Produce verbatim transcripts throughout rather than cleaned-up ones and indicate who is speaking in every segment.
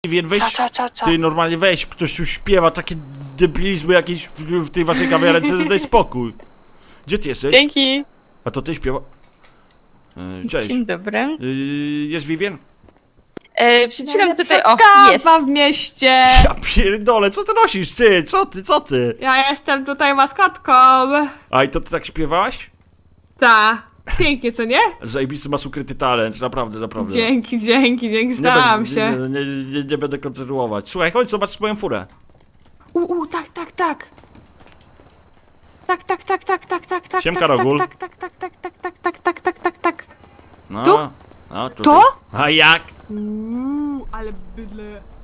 Speaker 1: Wiem, weź,
Speaker 2: Co, co, co, co?
Speaker 1: ty normalnie weź, ktoś tu śpiewa takie debilizmy jakieś w, w tej waszej kawiarence, że daj spokój. Gdzie ty jesteś?
Speaker 2: Dzięki.
Speaker 1: A to ty śpiewa? E, cześć.
Speaker 3: Dzień dobry.
Speaker 1: Y, jest Vivien?
Speaker 3: E, przed chwilą tutaj, o,
Speaker 4: Kawa
Speaker 3: jest.
Speaker 4: w mieście!
Speaker 1: Ja pierdolę, co ty nosisz, ty? Co ty, co ty?
Speaker 4: Ja jestem tutaj maskotką!
Speaker 1: A i to ty tak śpiewałaś?
Speaker 4: Ta. Pięknie, co nie?
Speaker 1: Zajebisty masz ukryty talent, naprawdę, naprawdę.
Speaker 4: Dzięki, dzięki, dzięki,
Speaker 1: Nie
Speaker 4: starałam
Speaker 1: będę,
Speaker 4: się.
Speaker 1: Nie, nie, nie, nie będę kontynuować. Słuchaj, chodź, zobacz moją furę.
Speaker 4: U, u, tak, tak, tak. Tak, tak, tak, tak, tak, tak, tak,
Speaker 1: Siemka,
Speaker 4: tak,
Speaker 1: Rogul.
Speaker 4: tak, tak, tak, tak, tak, tak, tak, tak, tak, tak, tak.
Speaker 1: No,
Speaker 4: Tu?
Speaker 1: no, tutaj.
Speaker 4: To?
Speaker 1: A jak?
Speaker 4: Uuu, ale bydle.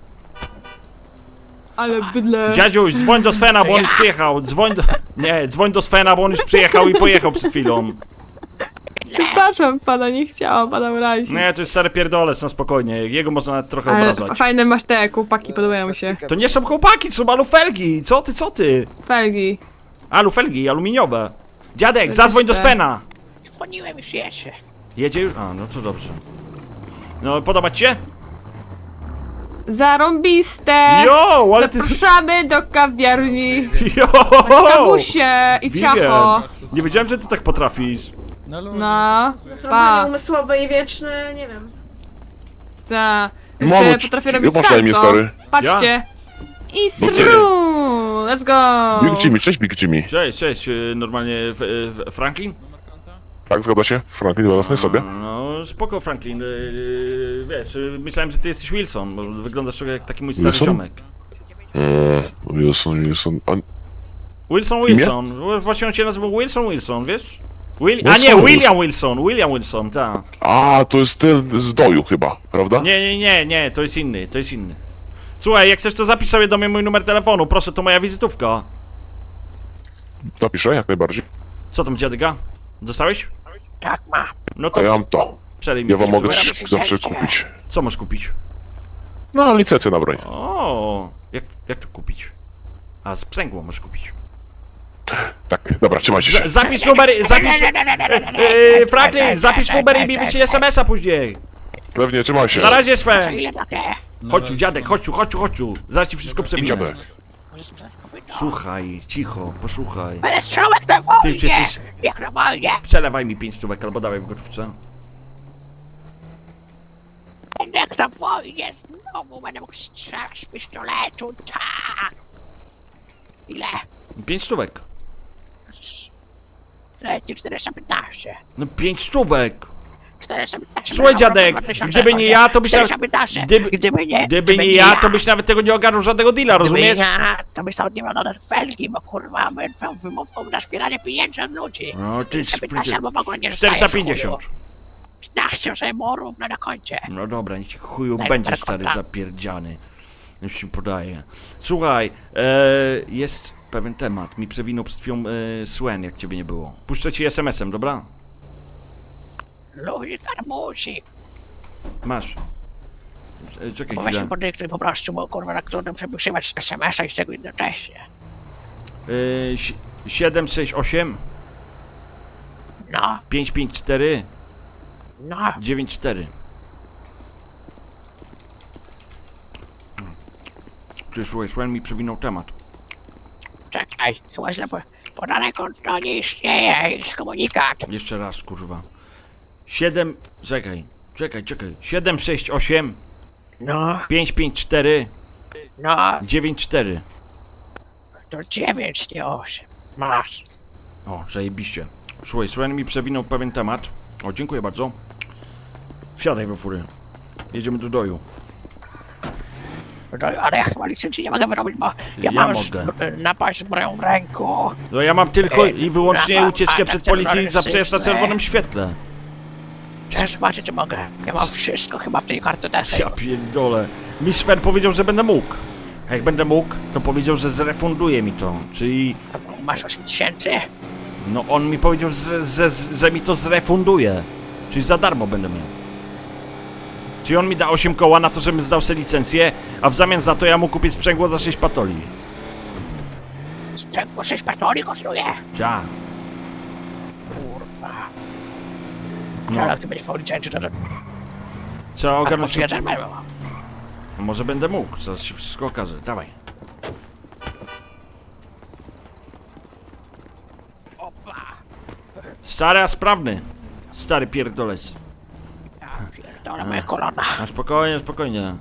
Speaker 4: Ale bydle.
Speaker 1: Dziadziuś, dzwoń do Svena, bo on już przyjechał. Dzwoń do... Nie, dzwoń do Svena, bo on już przyjechał i pojechał przed chwilą.
Speaker 4: Przepraszam pana, nie chciałam pana urazić.
Speaker 1: Nie, to jest stary pierdolec, na spokojnie. Jego można nawet trochę
Speaker 4: Ale
Speaker 1: obrażać.
Speaker 4: fajne masz te kłopaki, podobają mi się.
Speaker 1: To nie są chłopaki, to są alufelgi. Co ty, co ty?
Speaker 4: Felgi.
Speaker 1: Alufelgi, aluminiowe. Dziadek,
Speaker 4: To
Speaker 1: zadzwoń do
Speaker 4: jest te-
Speaker 1: Svena.
Speaker 2: Dzwoniłem już jeszcze.
Speaker 1: Jedzie już? A, no to dobrze. No, podoba ci się?
Speaker 4: Zarąbiste!
Speaker 1: Jo, ale ty...
Speaker 4: Zapraszamy do kawiarni.
Speaker 1: Jo!
Speaker 4: Kawusie i ciacho.
Speaker 1: Vivien, nie wiedziałem, że ty tak potrafisz.
Speaker 4: No,
Speaker 5: Zachowanie
Speaker 4: pa.
Speaker 5: umysłowe i wieczne, nie wiem.
Speaker 4: Ta. Jeszcze
Speaker 6: Mamuć,
Speaker 4: potrafię robić
Speaker 6: masz na imię,
Speaker 4: salto.
Speaker 6: stary?
Speaker 4: Patrzcie. I
Speaker 6: No ty.
Speaker 4: sru! Let's go!
Speaker 6: Big Jimmy, cześć Big Jimmy.
Speaker 1: Cześć, cześć, y, normalnie f, f, Franklin?
Speaker 6: Tak, zgadza się? Franklin we własnej sobie.
Speaker 1: No, spoko Franklin, yy, wiesz, yy, myślałem, że ty jesteś Wilson, bo wyglądasz trochę jak taki mój stary
Speaker 6: Wilson?
Speaker 1: ziomek.
Speaker 6: Eee, Wilson, Wilson, a...
Speaker 1: Wilson Wilson, właśnie on się nazywał Wilson Wilson, wiesz? Will... A
Speaker 6: Wilson
Speaker 1: nie,
Speaker 6: Wilson.
Speaker 1: William Wilson, William Wilson, tak.
Speaker 6: A, to jest ten z doju chyba, prawda?
Speaker 1: Nie, nie, nie, nie, to jest inny, to jest inny. Słuchaj, jak chcesz to zapisz sobie do mnie mój numer telefonu, proszę, to moja wizytówka.
Speaker 6: Napiszę, jak najbardziej.
Speaker 1: Co tam, dziadyga? Dostałeś?
Speaker 2: Tak ma.
Speaker 1: No
Speaker 6: A
Speaker 1: to
Speaker 6: ja mam to.
Speaker 1: przelej mi
Speaker 6: Ja wam
Speaker 1: pięć
Speaker 6: mogę
Speaker 1: stówek.
Speaker 6: też zawsze kupić.
Speaker 1: Co masz kupić?
Speaker 6: No, licencję na broń.
Speaker 1: O, jak, jak to kupić? A, sprzęgło możesz kupić.
Speaker 6: Tak, dobra, trzymajcie
Speaker 1: Z,
Speaker 6: się.
Speaker 1: zapisz numer, zapisz... Yy, Franklin, zapisz numer i mi wyślij es em es a później.
Speaker 6: Pewnie, trzymaj się.
Speaker 1: Na razie, Sven.
Speaker 2: Ile takie?
Speaker 1: Chodź tu, dziadek, chodź tu, chodź tu, chodź tu. Zaraz ci wszystko przewinę.
Speaker 6: Idziemy.
Speaker 1: Słuchaj, cicho, posłuchaj.
Speaker 2: Ale strzałek na wojnie!
Speaker 1: Ty już jesteś-
Speaker 2: Jak na wojnie!
Speaker 1: Przelewaj mi pięć stówek albo dawaj w gotówce.
Speaker 2: Będę jak na wojnie! Znowu będę mógł strzelać z pistoletu, tak! Ile?
Speaker 1: Pięć stówek.
Speaker 2: Leci czterysta piętnaście.
Speaker 1: No pięć stówek.
Speaker 2: czterysta piętnaście.
Speaker 1: Słuchaj, dziadek, gdyby nie ja, to byś nawet...
Speaker 2: czterysta piętnaście.
Speaker 1: Gdyby,
Speaker 2: Gdyby nie,
Speaker 1: gdyby nie ja, to byś nawet tego nie ogarnął żadnego deala, rozumiesz?
Speaker 2: Gdyby ja, to byś nawet nie miał na felgi, bo kurwa, byłem twoją wymówką na zbieranie pieniędzy od ludzi.
Speaker 1: No, ty...
Speaker 2: czterysta piętnaście albo w ogóle nie
Speaker 1: czterysta pięćdziesiąt.
Speaker 2: piętnaście sobie morów na koncie.
Speaker 1: No dobra, niech ci chuju
Speaker 2: Daj
Speaker 1: będzie
Speaker 2: parę
Speaker 1: stary
Speaker 2: konta.
Speaker 1: zapierdziany. Już ci podaję. Słuchaj, e, jest pewien temat. Mi przewinął przed chwilą e, Swen, jak ciebie nie było. Puszczę ci es em esem, dobra?
Speaker 2: Luzik, musi.
Speaker 1: Masz. E, Czekaj
Speaker 2: Bo weź
Speaker 1: chwilę.
Speaker 2: mi podyktuj po prostu, bo kurwa na trudno przepisywać es em es a i z tego jednocześnie.
Speaker 1: E, si- siedem sześć osiem
Speaker 2: No,
Speaker 1: pięć pięć cztery
Speaker 2: no.
Speaker 1: dziewięć cztery. Ty słuchaj, Swen mi przewinął temat.
Speaker 2: Czekaj, chyba źle po... Podane konto nie istnieje, jest komunikat.
Speaker 1: Jeszcze raz, kurwa. siedem... Czekaj, czekaj, czekaj. siedem sześć osiem
Speaker 2: No,
Speaker 1: pięć pięć cztery
Speaker 2: no,
Speaker 1: dziewięć cztery.
Speaker 2: to dziewięć, nie osiem. Masz.
Speaker 1: O, zajebiście. Słuchaj, Sven mi przewinął pewien temat. O, dziękuję bardzo. Wsiadaj we fury. Jedziemy do doju.
Speaker 2: No, ale ja chyba licencji nie mogę wyrobić, bo ja,
Speaker 1: Ja
Speaker 2: mam
Speaker 1: mogę.
Speaker 2: Z, napaść zbroją w ręku.
Speaker 1: No ja mam tylko
Speaker 2: Ej,
Speaker 1: i wyłącznie
Speaker 2: brawa,
Speaker 1: ucieczkę
Speaker 2: ale
Speaker 1: przed
Speaker 2: to
Speaker 1: policją za przejazd na
Speaker 2: narcystyczne.
Speaker 1: czerwonym świetle.
Speaker 2: Chcesz zobaczyć, czy mogę? Ja mam wszystko chyba w tej kartotece.
Speaker 1: Ja pierdolę. Mi Sven powiedział, że będę mógł. A jak będę mógł, to powiedział, że zrefunduje mi to. Czyli...
Speaker 2: Masz osiem tysięcy?
Speaker 1: No on mi powiedział, że, że, że mi to zrefunduje. Czyli za darmo będę miał. Czyli on mi da osiem koła na to, żebym zdał sobie licencję, a w zamian za to ja mu kupię sprzęgło za sześć patoli.
Speaker 2: Sprzęgło sześć patoli kosztuje?
Speaker 1: Ja.
Speaker 2: Kurwa.
Speaker 1: No.
Speaker 2: Ale jak ty będziesz po licencji, to... to
Speaker 1: Trzeba
Speaker 2: a
Speaker 1: ogarnąć...
Speaker 2: po jeden będę.
Speaker 1: No może będę mógł, zaraz się wszystko okaże. Dawaj.
Speaker 2: Opa!
Speaker 1: Stary, a sprawny. Stary pierdolec.
Speaker 2: Ja pierdolę moje kolana.
Speaker 1: A spokojnie, spokojnie.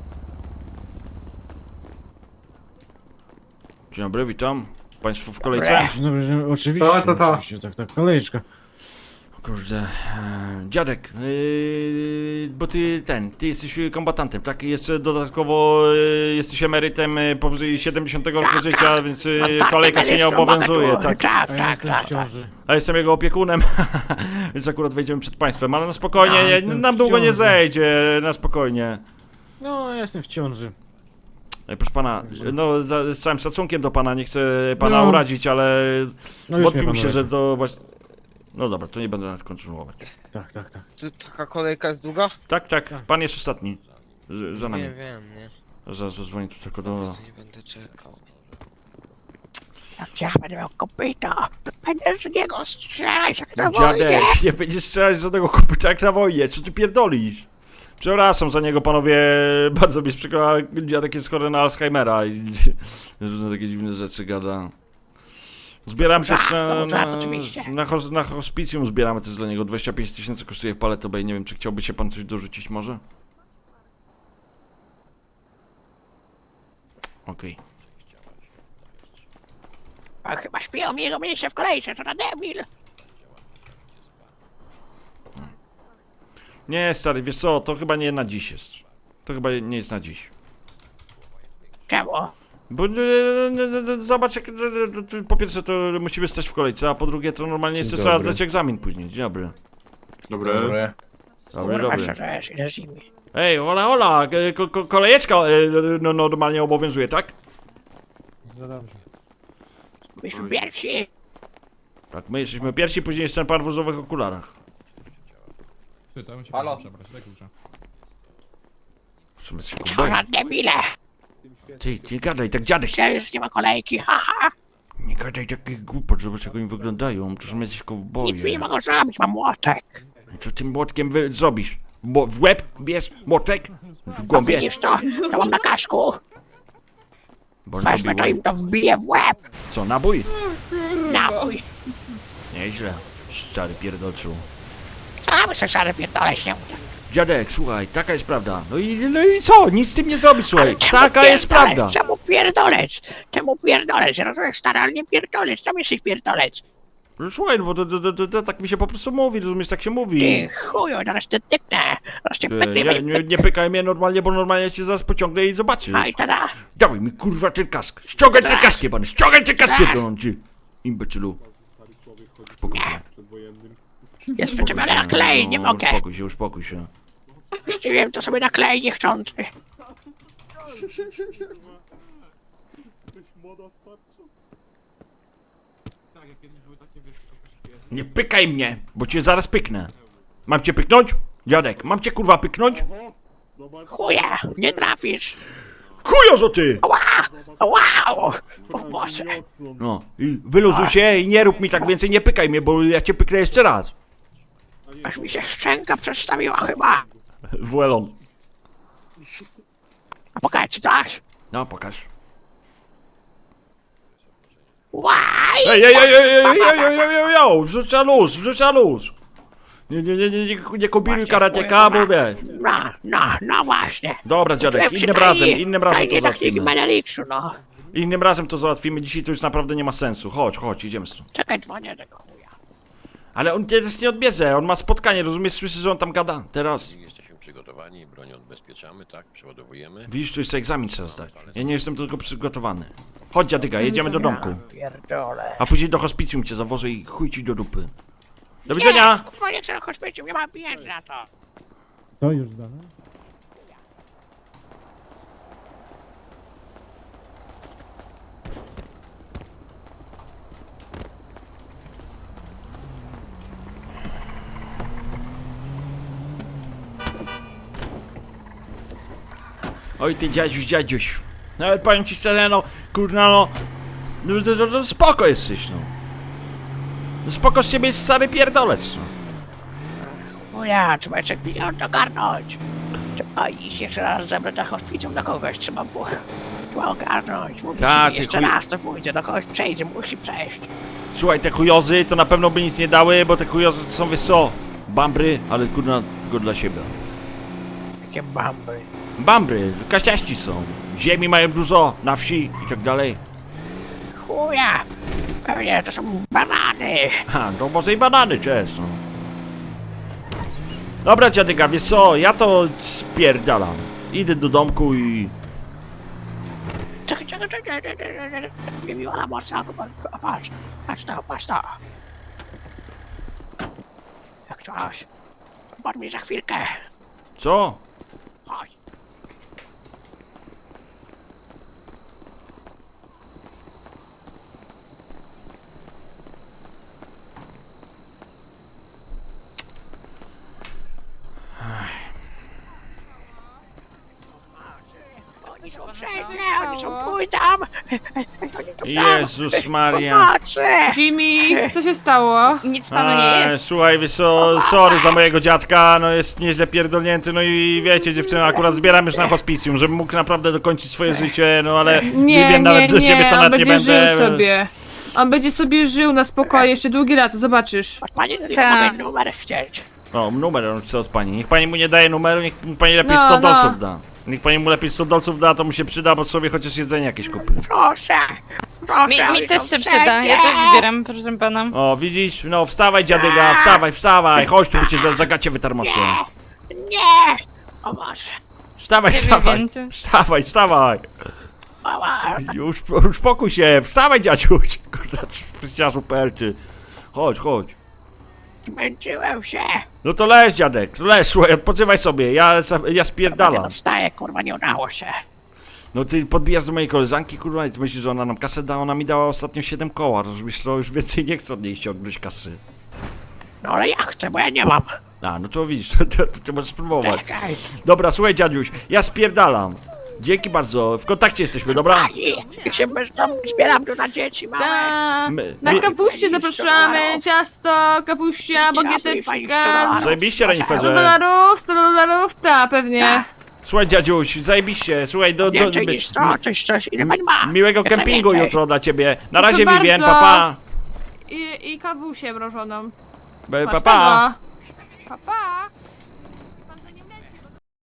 Speaker 1: Dzień dobry, witam. Państwo w kolejce?
Speaker 7: Dzień dobry, że- oczywiście,
Speaker 8: To, to, to.
Speaker 7: oczywiście, tak, tak, kolejeczka.
Speaker 1: Kurde, e, dziadek, yy, bo ty ten, ty jesteś kombatantem, tak? Jeszcze dodatkowo yy, jesteś emerytem yy, powyżej siedemdziesiątego roku
Speaker 2: Tak,
Speaker 1: życia,
Speaker 2: tak.
Speaker 1: więc yy,
Speaker 2: No tak,
Speaker 1: kolejka cię nie
Speaker 2: emerytą
Speaker 1: obowiązuje,
Speaker 2: mogę tu-
Speaker 1: tak?
Speaker 2: Tak,
Speaker 7: A ja
Speaker 2: tak,
Speaker 7: jestem
Speaker 2: tak.
Speaker 7: w ciąży.
Speaker 1: A jestem jego opiekunem, więc akurat wejdziemy przed państwem, ale no spokojnie,
Speaker 7: Ja
Speaker 1: nie,
Speaker 7: jestem
Speaker 1: nam
Speaker 7: w
Speaker 1: długo nie
Speaker 7: ciąży.
Speaker 1: zejdzie, na spokojnie.
Speaker 7: No, ja jestem w ciąży.
Speaker 1: Ej, proszę pana, no za, z całym szacunkiem do pana, nie chcę pana
Speaker 7: No.
Speaker 1: urazić, ale
Speaker 7: No już
Speaker 1: wątpi
Speaker 7: mnie
Speaker 1: mi
Speaker 7: pan
Speaker 1: się, że
Speaker 7: uraził.
Speaker 1: to właśnie... No dobra, to nie będę nawet kontynuować.
Speaker 7: Tak, tak, tak.
Speaker 9: Czy taka kolejka jest długa?
Speaker 1: Tak, tak, pan jest ostatni. Z, za nami.
Speaker 9: Nie wiem, nie.
Speaker 1: Zaraz zadzwonię tu tylko do...
Speaker 9: To nie będę czekał.
Speaker 2: Jak ja będę miał kopyta, to będę z niego strzelać jak na wojnie.
Speaker 1: Dziadek, nie będziesz strzelać z żadnego kopyta jak na wojnie, co ty pierdolisz? Przepraszam za niego, panowie, bardzo mi jest przykro, ale dziadek jest chory na Alzheimera i różne takie dziwne rzeczy gada. Zbieram też
Speaker 2: Żart, to
Speaker 1: na,
Speaker 2: żart,
Speaker 1: na,
Speaker 2: oczywiście.
Speaker 1: na, hos- na hospicjum zbieramy też dla niego, dwadzieścia pięć tysięcy kosztuje w Paleto Bay, nie wiem czy chciałby się pan coś dorzucić może? Okej.
Speaker 2: A chyba śpią mi jego miejsce w kolejce, to na debil.
Speaker 1: Nie stary, wiesz co, to chyba nie na dziś jest. To chyba nie jest na dziś.
Speaker 2: Czemu?
Speaker 1: Bo e, e, e, zobacz, jak, e, e, e, po pierwsze to musimy stać w kolejce, a po drugie to normalnie jeszcze
Speaker 7: Dzień
Speaker 1: trzeba
Speaker 7: dobry.
Speaker 1: zdać egzamin później. Dzień dobry.
Speaker 8: Dobry.
Speaker 1: Dobry,
Speaker 2: Kurwa,
Speaker 1: dobry.
Speaker 2: co to jest, ile z nimi?
Speaker 1: Ej, hola, hola, e, ko, ko, kolejeczka e, no, normalnie obowiązuje, tak?
Speaker 2: Myśmy pierwsi.
Speaker 1: Tak, my jesteśmy pierwsi, później jest ten pan w różowych okularach.
Speaker 8: Halo?
Speaker 1: W sumie się
Speaker 2: Co
Speaker 1: kuboi.
Speaker 2: za debile.
Speaker 1: Ty, nie gadaj, tak dziadek.
Speaker 2: Myślałem, że nie ma kolejki, haha.
Speaker 1: Nie gadaj takich głupot, zobacz jak oni wyglądają, to są jacyś
Speaker 2: Nic mi nie
Speaker 1: kowboje.
Speaker 2: mogą zrobić, mam młotek.
Speaker 1: Co tym młotkiem wy zrobisz? Mo w łeb bierz młotek? W
Speaker 2: A
Speaker 1: głąbie?
Speaker 2: widzisz to? To mam na kasku.
Speaker 1: Bo
Speaker 2: Wezmę to
Speaker 1: robi
Speaker 2: im
Speaker 1: łeb.
Speaker 2: to wbiję w łeb.
Speaker 1: Co, nabój?
Speaker 2: Napój.
Speaker 1: Nieźle, stary pierdolczu.
Speaker 2: Sam se szary pierdolę się.
Speaker 1: Dziadek, słuchaj, taka jest prawda. No i, no i co? Nic z tym nie zrobisz, słuchaj.
Speaker 2: Czemu
Speaker 1: Taka jest
Speaker 2: pierdolec?
Speaker 1: prawda.
Speaker 2: Czemu pierdolec? Czemu pierdolec? Rozumiesz, stary, ale nie pierdolec. Czemu jesteś pierdolec?
Speaker 1: No słuchaj, no bo to, to, to, to, to tak mi się po prostu mówi, rozumiesz, tak się mówi.
Speaker 2: Ty chuju, zaraz ty tyknę. Zaraz cię
Speaker 1: Ty,
Speaker 2: pyknę.
Speaker 1: nie, nie, nie pykaj mnie normalnie, bo normalnie cię zaraz pociągnę i zobaczysz.
Speaker 2: No i tada.
Speaker 1: Dawaj mi kurwa ten kask. Ściągaj ten
Speaker 2: Tak.
Speaker 1: kask, jebany. Ściągaj ten kask,
Speaker 2: Tak.
Speaker 1: pierdolący. Imbecylu. Uspokój się.
Speaker 2: Jest przyczepiony na klej, nie
Speaker 1: No,
Speaker 2: mogę.
Speaker 1: Uspokój się, uspokój się.
Speaker 2: Chciałem to sobie na klej niechcący.
Speaker 1: Nie pykaj mnie, bo cię zaraz pyknę. Mam cię pyknąć? Dziadek, mam cię kurwa pyknąć?
Speaker 2: Chuja, nie trafisz.
Speaker 1: Kujozo ty!
Speaker 2: Ła! Wow! O Boże.
Speaker 1: No, i wyluzuj się i nie rób mi tak więcej, nie pykaj mnie, bo ja cię pyknę jeszcze raz.
Speaker 2: Aż mi się szczęka przestawiła chyba.
Speaker 1: Wuelon.
Speaker 2: A pokaż, czy dasz?
Speaker 1: No, pokaż.
Speaker 2: Łaj!
Speaker 1: Ej, ej, ej, ej, ej, ej, ej, ej, ej, ej, ej, wrzuca luz, wrzuca luz. Nie, nie, nie, nie, nie, nie kombinuj karateka, bo wiesz.
Speaker 2: No, no, no właśnie.
Speaker 1: Dobra, dziadek,
Speaker 2: Przy
Speaker 1: innym
Speaker 2: tej-
Speaker 1: razem, innym razem
Speaker 2: tej
Speaker 1: to
Speaker 2: takich
Speaker 1: załatwimy.
Speaker 2: Meneliksu, no.
Speaker 1: Innym razem to załatwimy, dzisiaj to już naprawdę nie ma sensu. Chodź, chodź, idziemy stąd.
Speaker 2: Czekaj, dzwonię tego chuja.
Speaker 1: Ale on teraz nie odbierze, on ma spotkanie, rozumiesz, słyszysz, że on tam gada, teraz.
Speaker 10: Jesteśmy przygotowani, broń odbezpieczamy, tak? Przeładowujemy.
Speaker 1: Widzisz, tu jeszcze egzamin trzeba zdać. Ja nie jestem tylko przygotowany. Chodź, dziadyga, jedziemy do domku.
Speaker 2: Pierdolę.
Speaker 1: A później do hospicjum cię zawożę i chuj ci do dupy. Do widzenia!
Speaker 2: Nie, kurwa, nie chcę na hospicjum, nie mam pieniędzy na to.
Speaker 7: To już dane?
Speaker 1: Oj ty dziadziuś, dziadziuś. No ale powiem ci szczerze, no, kurna no. No, no, no, no spoko jesteś, no. No spoko z ciebie jest stary pierdolec, no.
Speaker 2: Chuja, trzeba jeszcze pieniądze ogarnąć. A i jeszcze raz zebrać na hospicjum do kogoś trzeba było. Trzeba ogarnąć. Mówię
Speaker 1: Tak,
Speaker 2: ci,
Speaker 1: ty
Speaker 2: jeszcze
Speaker 1: chuj-
Speaker 2: raz to pójdzie, do kogoś przejdzie, musi przejść.
Speaker 1: Słuchaj, te chujozy to na pewno by nic nie dały, bo te chujozy to są, wiesz co, bambry, ale kurna, tylko dla siebie.
Speaker 2: Jakie bamby.
Speaker 1: Bambry, kaściaści są. Ziemi mają dużo, na wsi i tak dalej.
Speaker 2: Chuja! Pewnie to są banany.
Speaker 1: Ha, to może i banany też, no. Dobra, dziadyka, wiesz co, ja to spierdalam. Idę do domku i...
Speaker 2: Czekaj, czekaj, czekaj, czekaj, czekaj, czekaj. Nie miło na mocno, patrz, patrz to, patrz to. Jak coś. Bądź mi za chwilkę.
Speaker 1: Co?
Speaker 2: Chodź. Oni są wszędzie, oni są tu i tam. Oni są tam.
Speaker 1: Jezus Maria.
Speaker 2: Pomocy!
Speaker 4: Jimmy, co się stało?
Speaker 3: Nic panu nie
Speaker 1: Eee,
Speaker 3: jest.
Speaker 1: Słuchaj, wiesz co, sorry za mojego dziadka, no jest nieźle pierdolnięty, no i wiecie dziewczyna, akurat zbieram już na hospicjum, żebym mógł naprawdę dokończyć swoje życie, no ale
Speaker 4: Nie,
Speaker 1: Vivien,
Speaker 4: nie,
Speaker 1: nawet do ciebie
Speaker 4: nie,
Speaker 1: to
Speaker 4: on
Speaker 1: nawet nie
Speaker 4: będzie
Speaker 1: będę...
Speaker 4: żył sobie. On będzie sobie żył na spokojnie, jeszcze długie lata, zobaczysz.
Speaker 2: Od pani tylko
Speaker 3: Tak.
Speaker 2: mogę numer chcieć.
Speaker 1: O, numer on chce od pani, niech pani mu nie daje numeru, niech mu pani lepiej
Speaker 4: No,
Speaker 1: sto
Speaker 4: no.
Speaker 1: dolców da. Niech pani mu lepiej sto dolców da, to mu się przyda, bo sobie chociaż jedzenie jakieś kupi.
Speaker 2: Proszę, proszę.
Speaker 3: Mi,
Speaker 2: oni
Speaker 3: mi też
Speaker 2: są
Speaker 3: się przyda, ja
Speaker 2: wszędzie.
Speaker 3: też zbieram, proszę pana.
Speaker 1: O, widzisz? No, wstawaj dziadyga, wstawaj, wstawaj, chodź tu, bo cię za, za gacie wytarmosę.
Speaker 2: Nie, nie. O Boże.
Speaker 1: Wstawaj,
Speaker 3: Nie
Speaker 1: wstawaj,
Speaker 3: wiem, tu.
Speaker 1: wstawaj, wstawaj.
Speaker 2: Mała.
Speaker 1: Już, uspokój się, wstawaj dziadziuś, kurwa, pryściarzu pelty. Chodź, chodź.
Speaker 2: Zmęczyłem się.
Speaker 1: No to leż dziadek, to leż, słuchaj, odpoczywaj sobie, ja, ja
Speaker 2: Nie
Speaker 1: spierdalam.
Speaker 2: no, wstaję, kurwa, nie udało się.
Speaker 1: No ty podbijasz do mojej koleżanki, kurwa, i ty myślisz, że ona nam kasę da, ona mi dała ostatnio siedem koła, rozumiesz, to już więcej nie chcę od niej ściągnąć kasy.
Speaker 2: No ale ja chcę, bo ja nie mam.
Speaker 1: A, no to widzisz, to, to, to ty możesz spróbować.
Speaker 2: Czekaj.
Speaker 1: Dobra, słuchaj dziadziuś, ja spierdalam. Dzięki bardzo, w kontakcie jesteśmy, dobra?
Speaker 2: Ani, jak się bezdomny zbieram tu na dzieci małe.
Speaker 4: Ta,
Speaker 1: My-
Speaker 4: na
Speaker 1: my-
Speaker 4: kawuście zapraszamy, ciasto, kawuścia, bagieteczka.
Speaker 1: Zajebiście,
Speaker 4: sto
Speaker 1: Reniferze.
Speaker 4: dolarów, sto dolarów, ta, pewnie.
Speaker 1: Słuchaj dziadziuś, zajebiście, słuchaj, do, do,
Speaker 2: Więcej niż sto, coś, coś, ile pani ma?
Speaker 1: miłego
Speaker 2: Jak
Speaker 1: kempingu
Speaker 2: najwięcej.
Speaker 1: jutro dla ciebie. Na
Speaker 4: Proszę
Speaker 1: razie, Vivien,
Speaker 4: bardzo.
Speaker 1: papa.
Speaker 4: I, i kawusię mrożoną.
Speaker 1: Pa,
Speaker 4: Masz
Speaker 1: pa.
Speaker 4: tego. Pa, pa.